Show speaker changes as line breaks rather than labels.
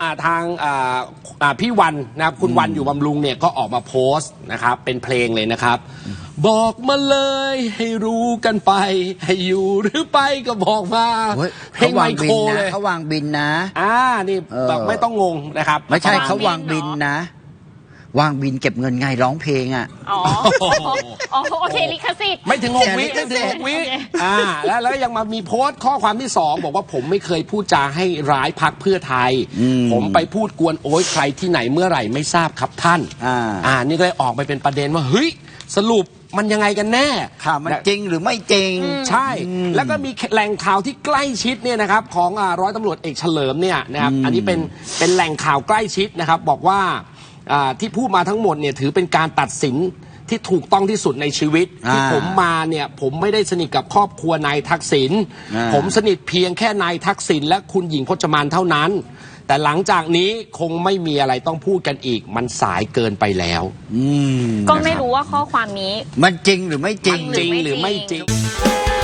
ทางพี่วันนะครับคุณวันอยู่บำรุงเนี่ยก็ออกมาโพสต์นะครับเป็นเพลงเลยนะครับบอกมาเลยให้รู้กันไปให้อยู่หรือไปก็บอกมาเพลงไมโครเลย
เขาวางบินนะ
นี่แบบไม่ต้องงงนะครับ
ไม่ใช่เขาวางบินนะวางบินเก็บเงินไงร้องเพลง
อ๋อโอเคลิขสิทธิ์
ไม่ถึง6 วิไม่ถึง6 วิแล้วยังมามีโพสต์ข้อความที่2บอกว่าผมไม่เคยพูดจาให้ร้ายพรรคเพื่อไทยผมไปพูดกวนโอยใครที่ไหนเมื่อไหร่ไม่ทราบครับท่านนี่ก็เลยออกไปเป็นประเด็นว่าเฮ้ยสรุปมันยังไงกันแน่
ข่าวมันจริงหรือไม่จริง
ใช่แล้วก็มีแหล่งข่าวที่ใกล้ชิดเนี่ยนะครับของร้อยตำรวจเอกเฉลิมเนี่ยนะครับอันนี้เป็นแหล่งข่าวใกล้ชิดนะครับบอกว่าที่พูดมาทั้งหมดเนี่ยถือเป็นการตัดสินที่ถูกต้องที่สุดในชีวิตที่ผมมาเนี่ยผมไม่ได้สนิทกับครอบครัวนายทักษิณผมสนิทเพียงแค่นายทักษิณและคุณหญิงพจมานเท่านั้นแต่หลังจากนี้คงไม่มีอะไรต้องพูดกันอีกมันสายเกินไปแล้ว
ก็ไม่รู้ว่าข้อความนี้
มันจริงหรือไม่จริง
จริงหรือไม่จริง